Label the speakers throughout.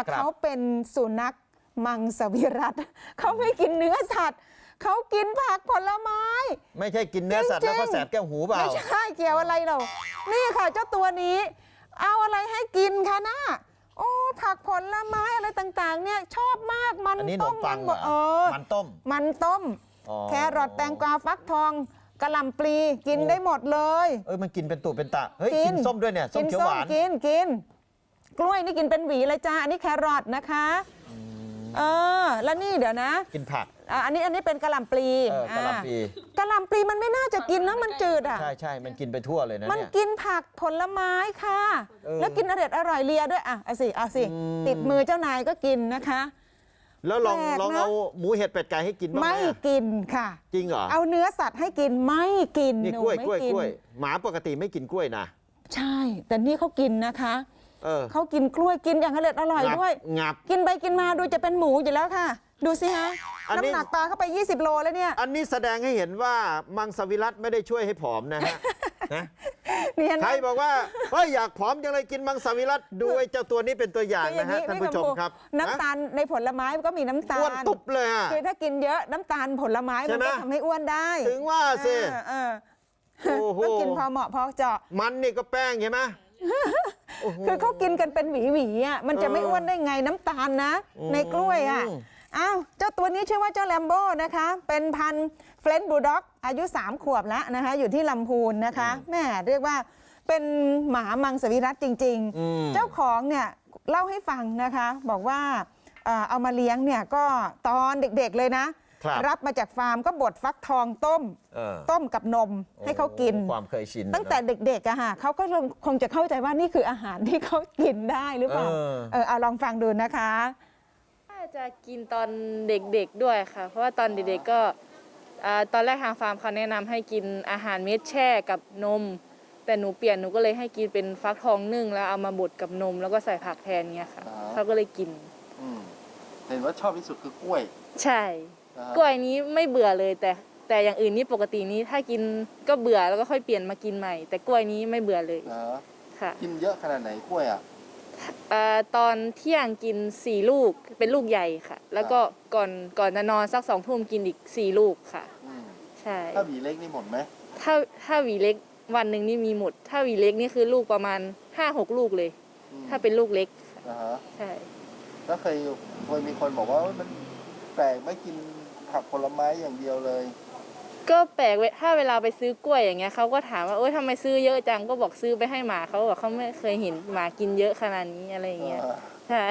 Speaker 1: เขาเป็นสุนัขมังสวิรัติเขาไม่กินเนื้อสัตว์เขากินผักผลไม้
Speaker 2: ไม่ใช่กินเนื้อสัตว์แล้วก็แสบแก้วหูเปล่า
Speaker 1: ไม่ใช่เกี่ยวอะไรเรานี่ค่ะเจ้าตัวนี้เอาอะไรให้กินคะน่าโอ้ผักผลไม้อะไรต่างๆเนี่ยชอบมากมันต้มมันมันต้มแครอทแตงกวาฟักทองกะหล่ำปลีกินได้หมดเลย
Speaker 2: มันกินเป็นตุเป็นตะเฮ้ยกินส้มด้วยเนี่ยส้มเขียวหวาน
Speaker 1: กินกล้วยนี่กินเป็นหวีเลยจ้าอันนี้แครอทนะคะแล้วนี่เดี๋ยวนะ
Speaker 2: กินผัก
Speaker 1: อันนี้เป็นกะหล่ำปลี
Speaker 2: กะหล่
Speaker 1: ำปลีมันไม่น่าจะกินนะมันจืดอ่ะ
Speaker 2: ใช่มันกินไปทั่วเลยนะ
Speaker 1: มันกินผักผลไม้ค่ะแล้วกินอร่อยเลียด้วยเอาสิติดมือเจ้านายก็กินนะคะ
Speaker 2: แล้วลองเอาหมูเห็ดเป็ดไก่ให้กินบ้างไหม
Speaker 1: ไม่กินค่ะ
Speaker 2: จริงเหรอ
Speaker 1: เอาเนื้อสัตว์ให้กินไม่กิน
Speaker 2: นี่กล้วยหมาปกติไม่กินกล้วยนะ
Speaker 1: ใช่แต่นี่เขากินนะคะเขากินกล้วยกินอย่างอร่อยด้วยกินไปกินมาดูจะเป็นหมูอยู่แล้วค่ะดูสิฮะน้ำหนักปลาเข้าไป20 โลแล้วเนี่ย
Speaker 2: อันนี้แสดงให้เห็นว่ามังสวิรัติไม่ได้ช่วยให้ผอมนะฮะใครบอกว่าอยากผอมจังเลยกินมังสวิรัติดูไอ้เจ้าตัวนี้เป็นตัวอย่างนะฮะท่านผู้ชมครับ
Speaker 1: น้ำตาลในผลไม้ก็มีน้ำตาล
Speaker 2: อ้วนตุบเลย
Speaker 1: คือถ้ากินเยอะน้ำตาลผลไม้มันก็ทำให้อ้วนได้
Speaker 2: ถึงว่าสิ
Speaker 1: ต้องกินพอเหมาะพอเจาะ
Speaker 2: มันนี่ก็แป้งใช่ไหม
Speaker 1: คือเขากินกันเป็นหวีอ่ะมันจะไม่อ้วนได้ไงน้ำตาลนะในกล้วยอ่ะเจ้าตัวนี้ชื่อว่าเจ้าแลมโบ้นะคะเป็นพันธุ์เฟรนช์บูลด็อกอายุ3 ขวบแล้วนะคะอยู่ที่ลำพูนนะคะแม่เรียกว่าเป็นหมามังสวิรัติจริงๆเจ้าของเนี่ยเล่าให้ฟังนะคะบอกว่าเอามาเลี้ยงเนี่ยก็ตอนเด็กๆเลยนะรับมาจากฟาร์มก็บดฟักทองต้มกับนมให้เขากิน
Speaker 2: ความเคยชิน
Speaker 1: ตั้งแต่เด็กๆอะค่ะเขาก็คงจะเข้าใจว่านี่คืออาหารที่เขากินได้หรือเปล่าเอาลองฟังดูนะคะ
Speaker 3: น่าจะกินตอนเด็กๆด้วยค่ะเพราะว่าตอนเด็กๆก็ตอนแรกทางฟาร์มเขาแนะนำให้กินอาหารเม็ดแช่กับนมแต่หนูเปลี่ยนหนูก็เลยให้กินเป็นฟักทองนึ่งแล้วเอามาบดกับนมแล้วก็ใส่ผักแทนเงี้ยค่ะเขาก็เลยกิน
Speaker 4: เห็นว่าชอบที่สุดคือกล้วย
Speaker 3: ใช่กล้วยนี้ไม่เบื่อเลยแต่อย่างอื่นนี่ปกตินี้ถ้ากินก็เบื่อแล้วก็ค่อยเปลี่ยนมากินใหม่แต่กล้วยนี้ไม่เบื่อเลยค่ะ
Speaker 4: กินเยอะขนาดไหนกล้วยอ่ะ
Speaker 3: ตอนเที่ยงกิน4 ลูกเป็นลูกใหญ่ค่ะแล้วก็ก่อนจะนอนสัก2 ทุ่มกินอีก4 ลูกค่ะใช่
Speaker 4: ถ้าหวีเล็กนี่หมดไหม
Speaker 3: ถ้าหวีเล็กวันหนึ่งนี่มีหมดถ้าหวีเล็กนี่คือลูกประมาณ5-6 ลูกเลยถ้าเป็นลูกเล็กใช่
Speaker 4: แล้วเคยมีคนบอกว่ามันแปลกไม่กินผักผลไม้อย่างเดียวเลย
Speaker 3: ก็แปลกถ้าเวลาไปซื้อกล้วยอย่างเงี้ยเขาก็ถามว่าโอ๊ยทำไมซื้อเยอะจังก็บอกซื้อไปให้หมาเขาบอกเขาไม่เคยเห็นหมากินเยอะขนาดนี้อะไรอย่างเงี้ยใช่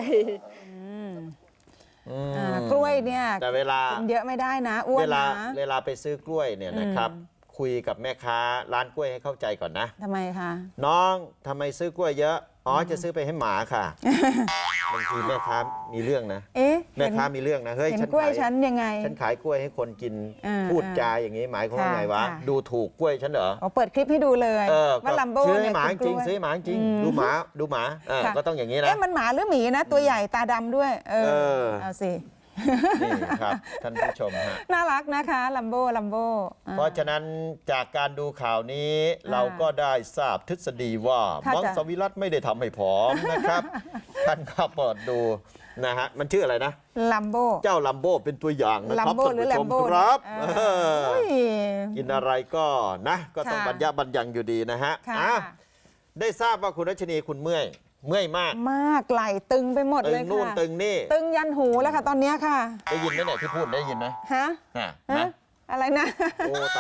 Speaker 1: กล้วยเนี่ย
Speaker 2: แต่เวลา
Speaker 1: กินเยอะไม่ได้นะอ้วนนะ
Speaker 2: เวลาไปซื้อกล้วยเนี่ยนะครับคุยกับแม่ค้าร้านกล้วยให้เข้าใจก่อนนะ
Speaker 1: ทำไมคะ
Speaker 2: น้องทำไมซื้อกล้วยเยอะจะซื้อไปให้หมาค่ะบางทีแม่ค้ามีเรื่องนะแม่ค้ามีเรื่องนะเฮ้ย
Speaker 1: ฉันกล้วยฉันยังไง
Speaker 2: ฉันขายกล้วยให้คนกินพูดจาอย่างนี้หมายความว่าไงวะดูถูกกล้วยฉันเหรอ
Speaker 1: เปิดคลิปให้ดูเลยว่าลัมโบ้
Speaker 2: ซื้อให้หมาจริงซื้อหมาจริงดูหมาก็ต้องอย่างนี้นะ
Speaker 1: มันหมาหรือหมีนะตัวใหญ่ตาดำด้วยเอาสิ
Speaker 2: นี่ครับท่านผู้ชมฮะ
Speaker 1: น่ารักนะคะลัมโบ้
Speaker 2: เพราะฉะนั้นจากการดูข่าวนี้เราก็ได้ทราบทฤษฎีว่ามังสวิรัติไม่ได้ทำให้ผอมนะครับท่านก็เปิดดูนะฮะมันชื่ออะไรนะ
Speaker 1: ลัมโบ้
Speaker 2: เจ้าลัมโบ้เป็นตัวอย่างนะครับท่านผู้ชมครับกินอะไรก็นะก็ต้องบรรยะบรรยังอยู่ดีนะฮะได้ทราบว่าคุณรัชนีคุณเมื่อยมาก
Speaker 1: ไหล่ตึงไปหมดเลยค่ะ
Speaker 2: ตึงนู่นตึงนี่
Speaker 1: ตึงยันหูแล้วค่ะตอนนี้ค่ะ
Speaker 2: ได้ยินไหมเนี่ยที่พูดได้ยินไหม
Speaker 1: ฮะอะไรนะ